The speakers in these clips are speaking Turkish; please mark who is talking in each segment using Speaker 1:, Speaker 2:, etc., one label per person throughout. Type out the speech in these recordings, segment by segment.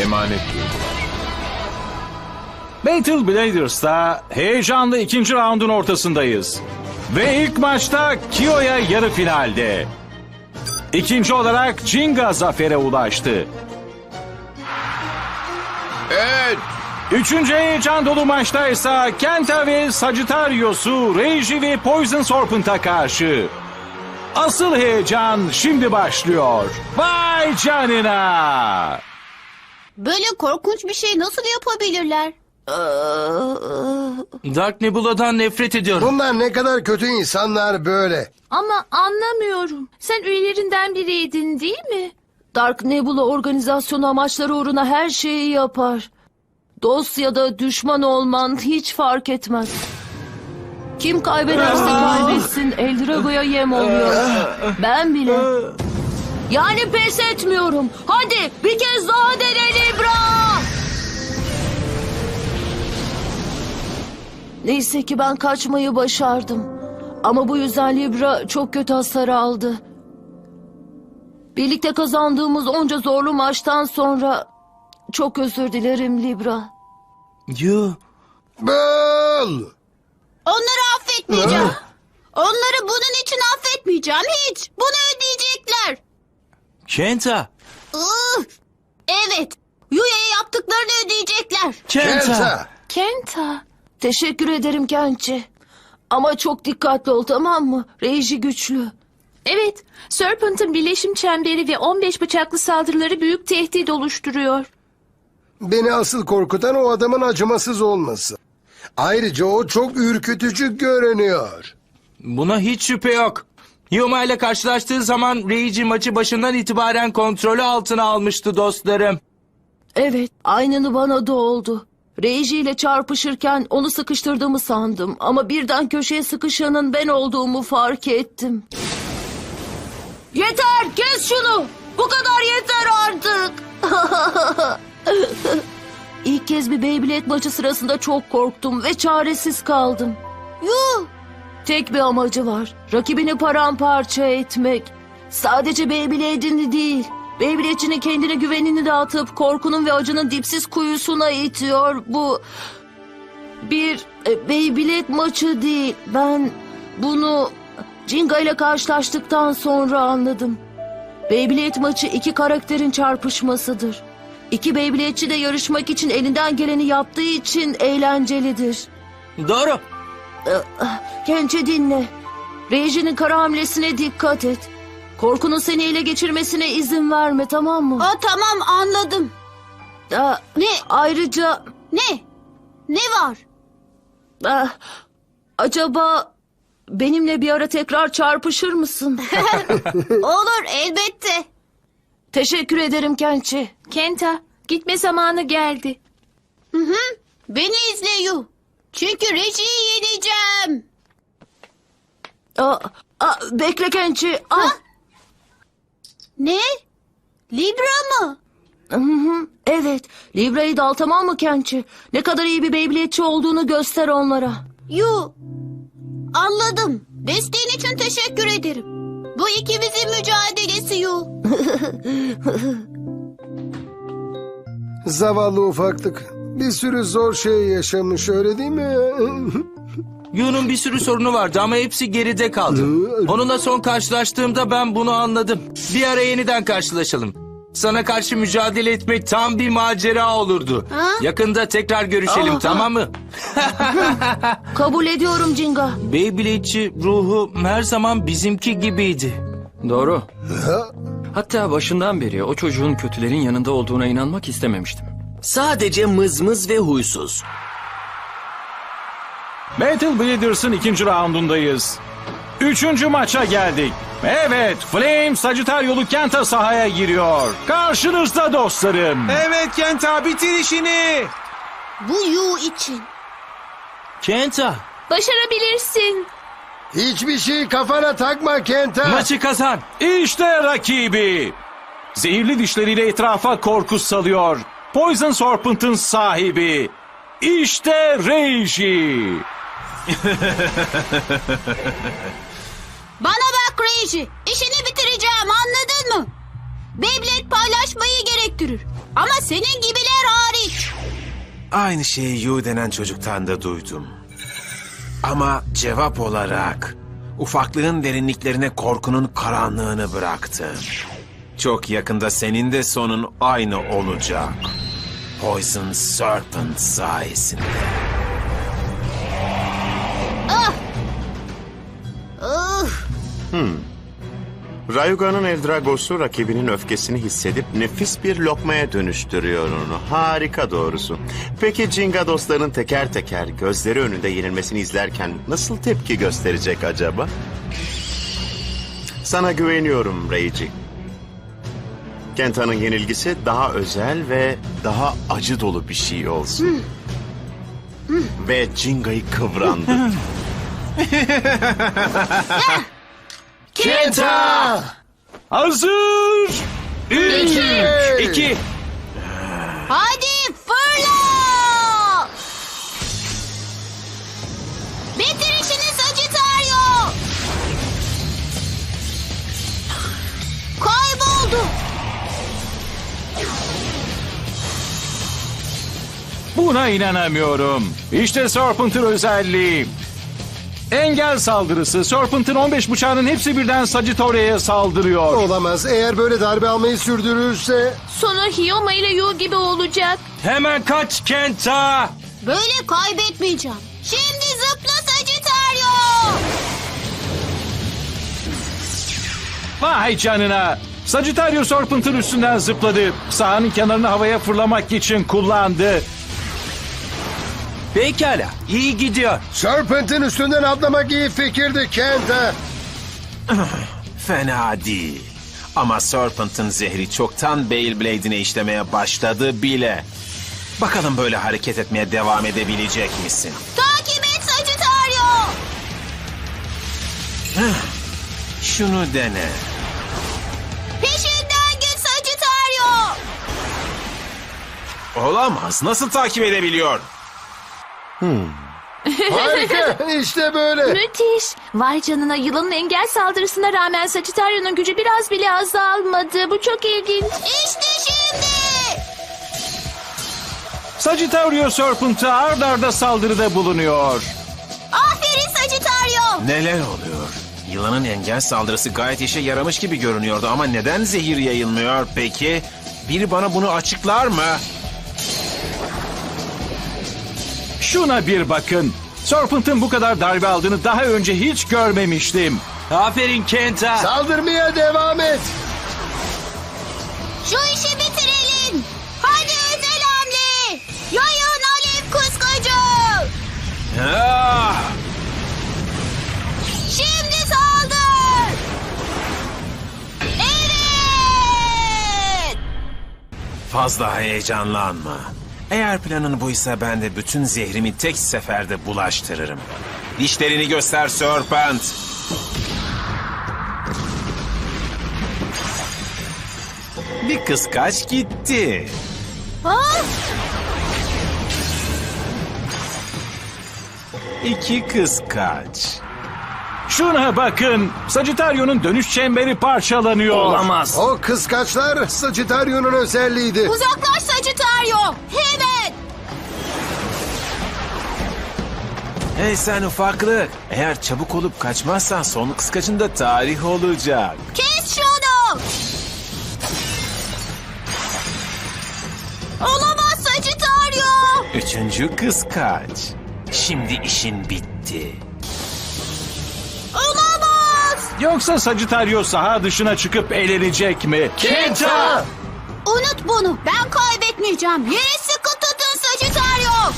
Speaker 1: emanet duydular.
Speaker 2: Battle Bladers'ta heyecanlı ikinci raundun ortasındayız. Ve ilk maçta Kiyo'ya yarı finalde. İkinci olarak Jinga zafere ulaştı.
Speaker 1: Evet.
Speaker 2: Üçüncü heyecan dolu maçtaysa Kenta ve Sagittarius'u Reiji ve Poison Serpent'a karşı. Asıl heyecan şimdi başlıyor. Vay canına!
Speaker 3: Böyle korkunç bir şey nasıl yapabilirler?
Speaker 4: Dark Nebula'dan nefret ediyorum.
Speaker 5: Bunlar ne kadar kötü insanlar böyle.
Speaker 6: Ama anlamıyorum. Sen üyelerinden biriydin değil mi?
Speaker 7: Dark Nebula organizasyonu amaçları uğruna her şeyi yapar. Dost ya da düşman olman hiç fark etmez. Kim kaybederse kaybetsin Eldrago'ya yem oluyor. Ben bile. Yani pes etmiyorum. Hadi bir kez daha dene Libra. Neyse ki ben kaçmayı başardım. Ama bu yüzden Libra çok kötü hasar aldı. Birlikte kazandığımız onca zorlu maçtan sonra çok özür dilerim Libra.
Speaker 4: Yuh.
Speaker 5: Bıl!
Speaker 3: Onları affetmeyeceğim. Onları bunun için affetmeyeceğim hiç. Bunu ödeyecekler.
Speaker 4: Kenta.
Speaker 3: Evet. Yuya'ya yaptıklarını ödeyecekler.
Speaker 5: Kenta!
Speaker 6: Kenta.
Speaker 7: Teşekkür ederim Kençi. Ama çok dikkatli ol, tamam mı? Reiji güçlü.
Speaker 6: Evet, Serpent'ın birleşim çemberi ve 15 bıçaklı saldırıları büyük tehdit oluşturuyor.
Speaker 5: Beni asıl korkutan o adamın acımasız olması. Ayrıca o çok ürkütücü görünüyor.
Speaker 4: Buna hiç şüphe yok. Yuma ile karşılaştığı zaman Reiji maçı başından itibaren kontrolü altına almıştı dostlarım.
Speaker 7: Evet, aynını bana da oldu. Reiji ile çarpışırken onu sıkıştırdığımı sandım. Ama birden köşeye sıkışanın ben olduğumu fark ettim. Yeter, kes şunu! Bu kadar yeter artık! İlk kez bir Beyblade maçı sırasında çok korktum ve çaresiz kaldım.
Speaker 3: Yuh.
Speaker 7: Tek bir amacı var. Rakibini paramparça etmek. Sadece Beyblade'ini değil. Beyblade'çinin kendine güvenini dağıtıp korkunun ve acının dipsiz kuyusuna itiyor. Bu bir Beyblade maçı değil. Ben bunu Jinga ile karşılaştıktan sonra anladım. Beyblade maçı iki karakterin çarpışmasıdır. İki Beyblade'çi de yarışmak için elinden geleni yaptığı için eğlencelidir.
Speaker 4: Doğru.
Speaker 7: Kençe dinle. Reiji'nin kara hamlesine dikkat et. Korkunun seni ele geçirmesine izin verme, tamam mı?
Speaker 3: Tamam anladım. Ne?
Speaker 7: Ayrıca
Speaker 3: Ne var?
Speaker 7: acaba benimle bir ara tekrar çarpışır mısın?
Speaker 3: Olur elbette.
Speaker 7: Teşekkür ederim Kençi.
Speaker 6: Kenta, gitme zamanı geldi.
Speaker 3: Beni izle Yu. Çünkü Reji'yi yeneceğim.
Speaker 7: Bekle Kençi.
Speaker 3: Ne? Libra mı?
Speaker 7: Evet, Libra'yı da al, tamam mı Kençi? Ne kadar iyi bir Beyblade'çi olduğunu göster onlara.
Speaker 3: Yu. Anladım. Desteğin için teşekkür ederim. Bu ikimizin mücadelesi Yu.
Speaker 5: Zavallı ufaklık. Bir sürü zor şey yaşamış, öyle değil mi?
Speaker 4: Yu'nun bir sürü sorunu vardı ama hepsi geride kaldı. Onunla son karşılaştığımda ben bunu anladım. Bir ara yeniden karşılaşalım. Sana karşı mücadele etmek tam bir macera olurdu. Yakında tekrar görüşelim, tamam mı?
Speaker 7: Kabul ediyorum Jinga.
Speaker 4: Beyblade'çi ruhu her zaman bizimki gibiydi.
Speaker 8: Doğru. Hatta başından beri o çocuğun kötülerin yanında olduğuna inanmak istememiştim.
Speaker 9: Sadece mızmız ve huysuz.
Speaker 2: Battle Bladers'ın ikinci raundundayız. Üçüncü maça geldik. Evet, Flame Sagittarius'lu Kenta sahaya giriyor. Karşınızda dostlarım.
Speaker 1: Evet Kenta, bitir işini.
Speaker 3: Bu Yu için.
Speaker 4: Kenta,
Speaker 6: Başarabilirsin.
Speaker 5: Hiçbir şey kafana takma Kenta.
Speaker 4: maçı kazan.
Speaker 2: İşte rakibi. Zehirli dişleriyle etrafa korku salıyor. Poison Serpent'ın sahibi. İşte Reiji.
Speaker 3: Bana bak Reiji. İşini bitireceğim, anladın mı? Beyblade paylaşmayı gerektirir. döktürür. Ama senin gibiler hariç.
Speaker 1: Aynı şeyi Yu denen çocuktan da duydum. Ama cevap olarak ufaklığın derinliklerine korkunun karanlığını bıraktı. Çok yakında senin de sonun aynı olacak. Poison Serpent sayesinde.
Speaker 3: Ah!
Speaker 10: Rayuga'nın Eldragos'u rakibinin öfkesini hissedip nefis bir lokmaya dönüştürüyor onu. Harika doğrusu. Peki Jinga dostların teker teker gözleri önünde yenilmesini izlerken nasıl tepki gösterecek acaba? Sana güveniyorum Reiji. Kenta'nın yenilgisi daha özel ve daha acı dolu bir şey olsun. Ve Jinga'yı kıvrandı.
Speaker 5: Kenta!
Speaker 2: Hazır. 3, 2,
Speaker 3: Hadi fırla! Bitir işini Sagittario! Kayboldu.
Speaker 2: Buna inanamıyorum. İşte Serpent'ın özelliği. Engel saldırısı. Serpent'ın 15 bıçağının hepsi birden Sagittario'ya saldırıyor.
Speaker 5: Olamaz. Eğer böyle darbe almayı sürdürürse...
Speaker 6: Sonu Hiyoma ile Yu gibi olacak.
Speaker 4: Hemen kaç Kenta.
Speaker 3: Böyle kaybetmeyeceğim. Şimdi zıpla Sagittario!
Speaker 2: Vay canına. Sagittario Serpent'ın üstünden zıpladı. Sahanın kenarını havaya fırlamak için kullandı.
Speaker 4: Pekala, iyi gidiyor.
Speaker 5: Serpent'in üstünden atlamak iyi fikirdi Kenta.
Speaker 1: Fena değil. Ama Serpent'ın zehri çoktan Beyblade'ine işlemeye başladı bile. Bakalım böyle hareket etmeye devam edebilecek misin?
Speaker 3: Takip et Sagittario!
Speaker 1: Şunu dene.
Speaker 3: Peşinden git Sagittario!
Speaker 1: Olamaz. Nasıl takip edebiliyor?
Speaker 5: Harika. İşte böyle.
Speaker 6: Müthiş. Vay canına, yılanın engel saldırısına rağmen Sagittario'nun gücü biraz bile azalmadı. Bu çok ilginç.
Speaker 3: İşte şimdi!
Speaker 2: Sagittario Serpent'a ard arda saldırıda bulunuyor.
Speaker 3: Aferin Sagittario!
Speaker 1: Neler oluyor? Yılanın engel saldırısı gayet işe yaramış gibi görünüyordu ama neden zehir yayılmıyor peki? Biri bana bunu açıklar mı?
Speaker 2: Şuna bir bakın. Serpent'ın bu kadar darbe aldığını daha önce hiç görmemiştim.
Speaker 4: Aferin Kenta.
Speaker 5: Saldırmaya devam et.
Speaker 3: Şu işi bitirelim! Hadi özel hamle! Yayın alev kıskacı!
Speaker 1: Ah!
Speaker 3: Şimdi saldır! Evet!
Speaker 1: Fazla heyecanlanma. Eğer planın buysa ben de bütün zehrimi tek seferde bulaştırırım. Dişlerini göster Serpent. Bir kıskaç gitti.
Speaker 3: Ha?
Speaker 1: 2 kıskaç.
Speaker 2: Şuna bakın. Sagittario'nun dönüş çemberi parçalanıyor.
Speaker 8: Olamaz.
Speaker 5: O kıskaçlar Sagittario'nun özelliğiydi.
Speaker 3: Uzaklaş Sagittario! Hemen!
Speaker 1: Hey sen ufaklık. Eğer çabuk olup kaçmazsan son kıskacın da tarih olacak.
Speaker 3: Kes şunu! Olamaz Sagittario!
Speaker 1: 3. kıskaç. Şimdi işin bitti.
Speaker 3: Olamaz!
Speaker 2: Yoksa Sagittario saha dışına çıkıp eğlenecek mi?
Speaker 5: Kenta!
Speaker 3: Unut bunu. Ben kaybetmeyeceğim. Yere sıkı tutun Sagittario!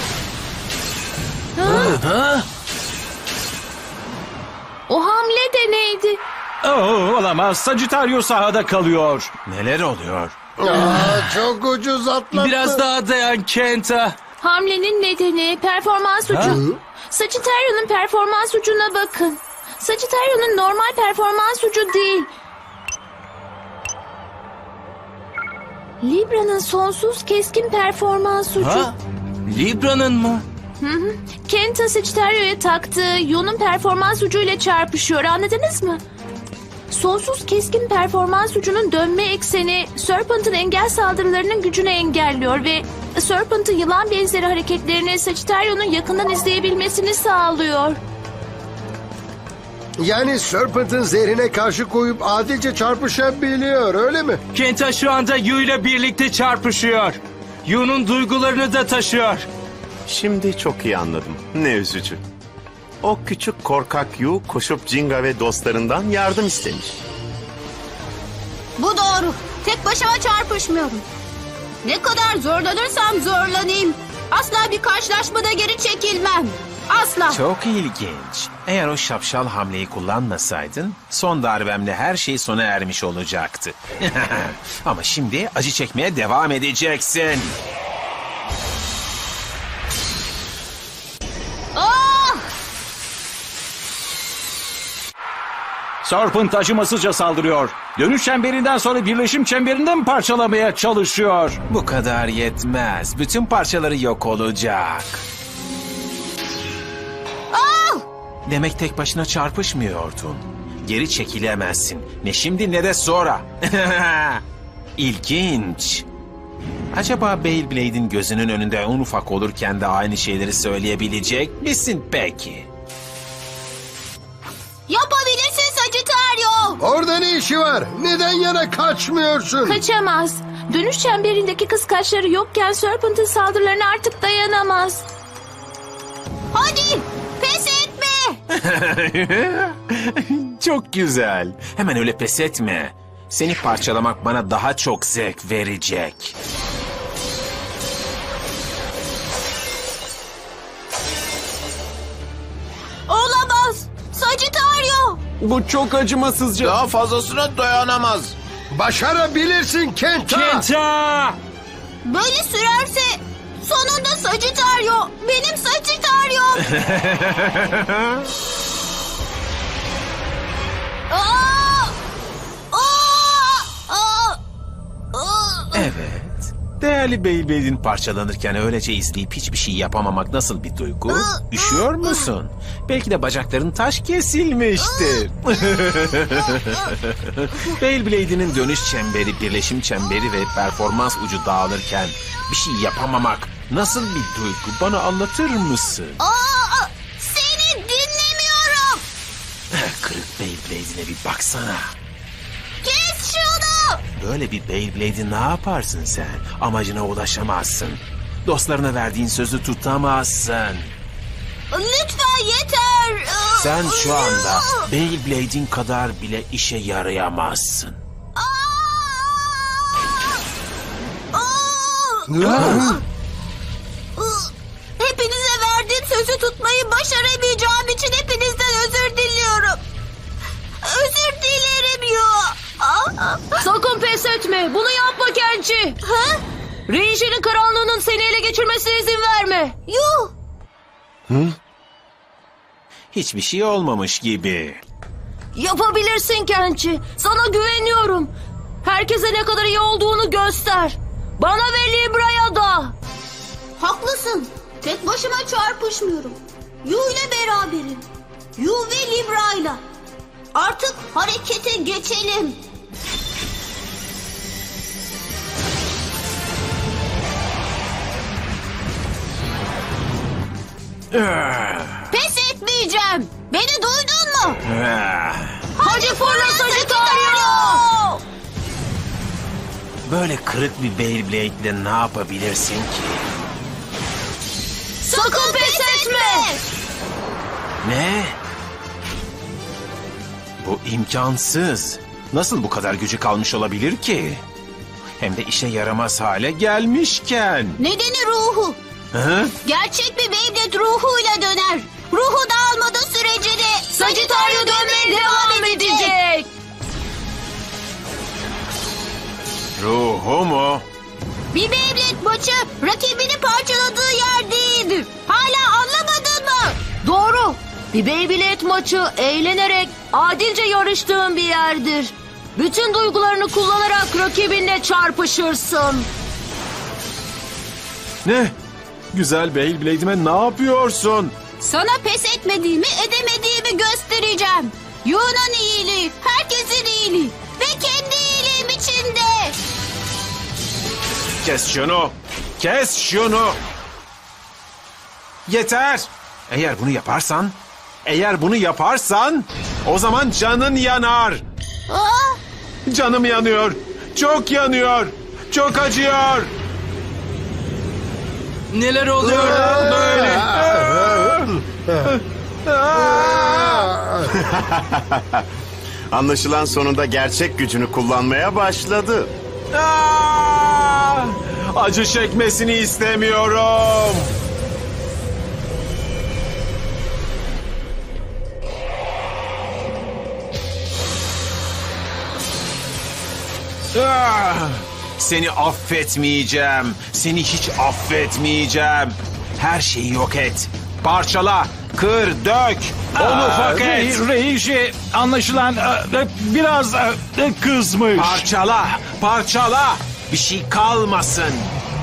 Speaker 6: O hamle de neydi?
Speaker 2: Olamaz. Sagittario sahada kalıyor.
Speaker 1: Neler oluyor?
Speaker 5: Çok ucuz atlattı.
Speaker 4: Biraz daha dayan Kenta.
Speaker 6: Hamlenin nedeni performans ucu. Sagittario'nun performans ucuna bakın. Sagittario'nun normal performans ucu değil. Libra'nın sonsuz keskin performans ucu.
Speaker 4: Ha? Libra'nın mı?
Speaker 6: Kenta Sagittario'ya taktığı Yu'nun performans ucuyla çarpışıyor, anladınız mı? Sonsuz keskin performans ucunun dönme ekseni Serpent'ın engel saldırılarının gücünü engelliyor ve Serpent'ın yılan benzeri hareketlerini Sagittario'nun yakından izleyebilmesini sağlıyor.
Speaker 5: Yani Serpent'ın zehrine karşı koyup adilce çarpışabiliyor, öyle mi?
Speaker 4: Kenta şu anda Yu ile birlikte çarpışıyor. Yu'nun duygularını da taşıyor.
Speaker 10: Şimdi çok iyi anladım. Ne üzücü. O küçük korkak Yu koşup Jinga ve dostlarından yardım istemiş.
Speaker 3: Bu doğru. Tek başıma çarpışmıyorum. Ne kadar zorlanırsam zorlanayım. Asla bir karşılaşmada geri çekilmem. Asla.
Speaker 1: Çok ilginç. Eğer o şapşal hamleyi kullanmasaydın son darbemle her şey sona ermiş olacaktı. Ama şimdi acı çekmeye devam edeceksin.
Speaker 3: Ah!
Speaker 2: Serpent acımasızca saldırıyor. Dönüş çemberinden sonra birleşim çemberinden parçalamaya çalışıyor.
Speaker 1: Bu kadar yetmez. Bütün parçaları yok olacak.
Speaker 3: Ah!
Speaker 1: Demek tek başına çarpışmıyordun. Geri çekilemezsin. Ne şimdi ne de sonra. İlginç. Acaba Beyblade'in gözünün önünde en ufak olurken de aynı şeyleri söyleyebilecek misin peki?
Speaker 3: Yapabilirsin Sagittario.
Speaker 5: Orada ne işi var? Neden yana kaçmıyorsun?
Speaker 6: Kaçamaz. Dönüş çemberindeki kıskaçları yokken Serpent'ın saldırılarına artık dayanamaz.
Speaker 3: Hadi pes etme.
Speaker 1: Çok güzel. Hemen öyle pes etme. Seni parçalamak bana daha çok zevk verecek.
Speaker 3: Olamaz. Sagittario.
Speaker 9: Bu çok acımasızca.
Speaker 11: Daha fazlasına dayanamaz.
Speaker 5: Başarabilirsin Kenta.
Speaker 4: Kenta!
Speaker 3: Böyle sürerse sonunda Sagittario. Benim Sagittario. Aa! Aa! Aa! Aa!
Speaker 1: Evet. Değerli Beyblade'in parçalanırken öylece izleyip hiçbir şey yapamamak nasıl bir duygu? Üşüyor musun? Belki de bacakların taş kesilmiştir. Beyblade'inin dönüş çemberi, birleşim çemberi ve performans ucu dağılırken bir şey yapamamak nasıl bir duygu? Bana anlatır mısın?
Speaker 3: Aa! Seni dinlemiyorum.
Speaker 1: Kırık Beyblade'ine bir baksana.
Speaker 3: Kes şunu.
Speaker 1: Böyle bir Beyblade'i ne yaparsın sen? Amacına ulaşamazsın. Dostlarına verdiğin sözü tutamazsın.
Speaker 3: Lütfen yeter.
Speaker 1: Sen şu anda Beyblade'in kadar bile işe yarayamazsın.
Speaker 3: Hepinize verdiğim sözü tutmayı başaramayacağım için hepinizden özür diliyorum. Özür dilerim ya.
Speaker 7: Sakın pes etme. Bunu yapma Kenchi.
Speaker 3: Ha?
Speaker 7: Rinji'nin karanlığının seni ele geçirmesine izin verme.
Speaker 3: Yuh.
Speaker 1: Hiçbir şey olmamış gibi.
Speaker 7: Yapabilirsin Kenchi. Sana güveniyorum. Herkese ne kadar iyi olduğunu göster. Bana ve Libra'ya da.
Speaker 3: Haklısın. Tek başıma çarpışmıyorum. Yu ile beraberim. Yu ve Libra'yla. Artık harekete geçelim. Pes etmeyeceğim. Beni duydun mu? Hadi fırla Sagittario.
Speaker 1: Böyle kırık bir Beyblade'le ne yapabilirsin ki?
Speaker 3: Sakın pes etme.
Speaker 1: Ne? Bu imkansız. Nasıl bu kadar gücü kalmış olabilir ki? Hem de işe yaramaz hale gelmişken.
Speaker 3: Nedeni ruhu.
Speaker 1: Hı?
Speaker 3: Gerçek bir Beyblade ruhuyla döner. Ruhu dağılmadığı sürece de Sagittario dönmeye devam edecek.
Speaker 1: Ruhu mu?
Speaker 3: Bir Beyblade maçı rakibini parçaladığı yer değildir. Hala anlamadın mı?
Speaker 7: Doğru. Bir Beyblade maçı eğlenerek adilce yarıştığın bir yerdir. Bütün duygularını kullanarak rakibinle çarpışırsın.
Speaker 1: Ne? Güzel Beyblade'ime ne yapıyorsun?
Speaker 3: Sana pes etmediğimi, edemediğimi göstereceğim. Yu'nun iyiliği, herkesin iyiliği ve kendi iyiliğim içinde.
Speaker 1: Kes şunu. Kes şunu. Yeter. Eğer bunu yaparsan o zaman canın yanar. Canım yanıyor. Çok yanıyor. Çok acıyor.
Speaker 4: Neler oluyor lan böyle?
Speaker 10: Anlaşılan sonunda gerçek gücünü kullanmaya başladı.
Speaker 1: Acı çekmesini istemiyorum. Seni affetmeyeceğim. Seni hiç affetmeyeceğim. Her şeyi yok et. Parçala, kır, dök. Onu ufak et.
Speaker 2: Reiji anlaşılan biraz kızmış.
Speaker 1: Parçala, parçala. Bir şey kalmasın.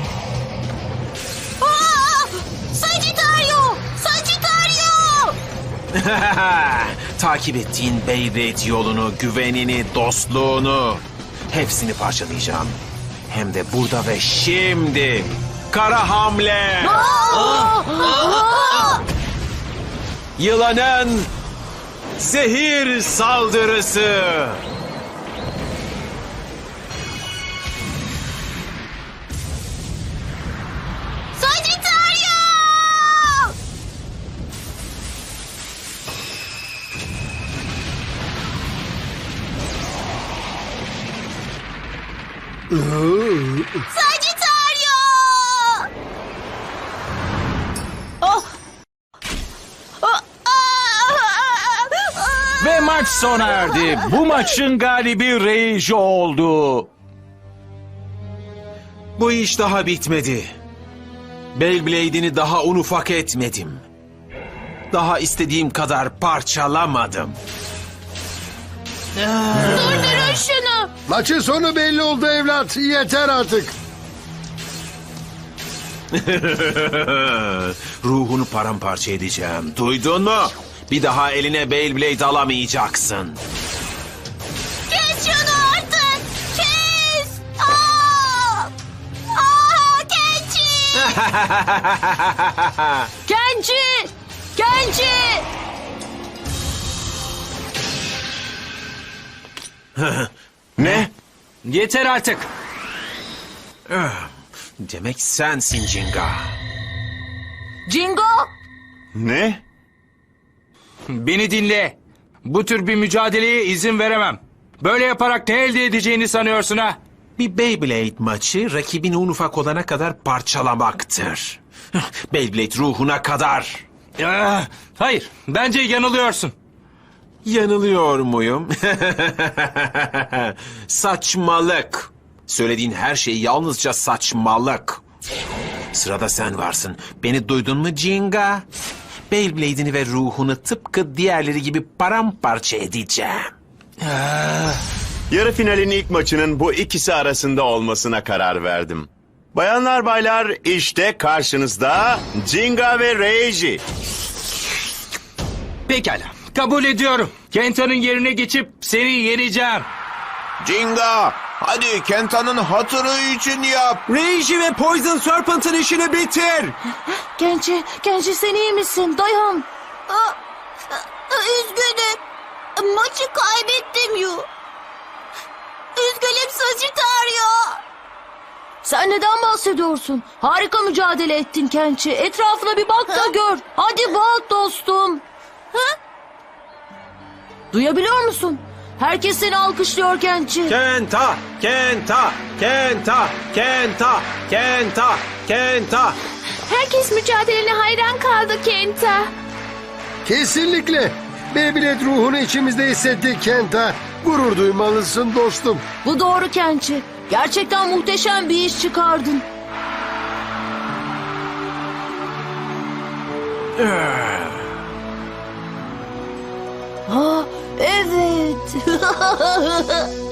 Speaker 3: Sagittario! Sagittario!
Speaker 1: Takip ettiğin Beyblade yolunu, güvenini, dostluğunu hepsini parçalayacağım. Hem de burada ve şimdi. Kara hamle. Yılanın zehir saldırısı.
Speaker 3: Sagittario! Sagittario!
Speaker 2: Ve maç sona erdi. Bu maçın galibi Reiji oldu.
Speaker 1: Bu iş daha bitmedi. Beyblade'ini daha un ufak etmedim. Daha istediğim kadar parçalamadım.
Speaker 6: Durdurun şunu.
Speaker 5: Maçın sonu belli oldu evlat. Yeter artık.
Speaker 1: Ruhunu paramparça edeceğim. Duydun mu? Bir daha eline Beyblade alamayacaksın.
Speaker 3: Kes şunu artık! Kes! Kenji!
Speaker 7: Kenji! Kenji!
Speaker 10: Ne?
Speaker 4: Yeter artık.
Speaker 1: Demek sensin Jinga.
Speaker 7: Jingo!
Speaker 10: Ne?
Speaker 4: Beni dinle. Bu tür bir mücadeleye izin veremem. Böyle yaparak ne elde edeceğini sanıyorsun ha?
Speaker 1: Bir Beyblade maçı rakibini un ufak olana kadar parçalamaktır. Beyblade ruhuna kadar.
Speaker 4: Hayır, bence yanılıyorsun.
Speaker 1: Yanılıyor muyum? Saçmalık. Söylediğin her şey yalnızca saçmalık. Sırada sen varsın. Beni duydun mu Jinga? Beyblade'ini ve ruhunu tıpkı diğerleri gibi paramparça edeceğim.
Speaker 10: Yarı finalin ilk maçının bu ikisi arasında olmasına karar verdim. Bayanlar baylar, işte karşınızda Jinga ve Reiji.
Speaker 4: Pekala, kabul ediyorum. Kenta'nın yerine geçip seni yeneceğim.
Speaker 11: Jinga, hadi Kenta'nın hatırı için yap.
Speaker 9: Reiji ve Poison Serpent'ın işini bitir.
Speaker 7: Kenji sen iyi misin? Dayan.
Speaker 3: Üzgünüm. Maçı kaybettim Yu. Üzgünüm Sagittario.
Speaker 7: Sen neden bahsediyorsun? Harika mücadele ettin Kenji. Etrafına bir bak da gör. Hadi bak dostum. Duyabiliyor musun? Herkes seni alkışlıyor Kenji.
Speaker 1: Kenta, Kenta, Kenta, Kenta, Kenta, Kenta.
Speaker 6: Herkes mücadelene hayran kaldı Kenta.
Speaker 5: Kesinlikle. Beyblade ruhunu içimizde hissettik Kenta. Gurur duymalısın dostum.
Speaker 7: Bu doğru Kenji. Gerçekten muhteşem bir iş çıkardın. Ha, evet.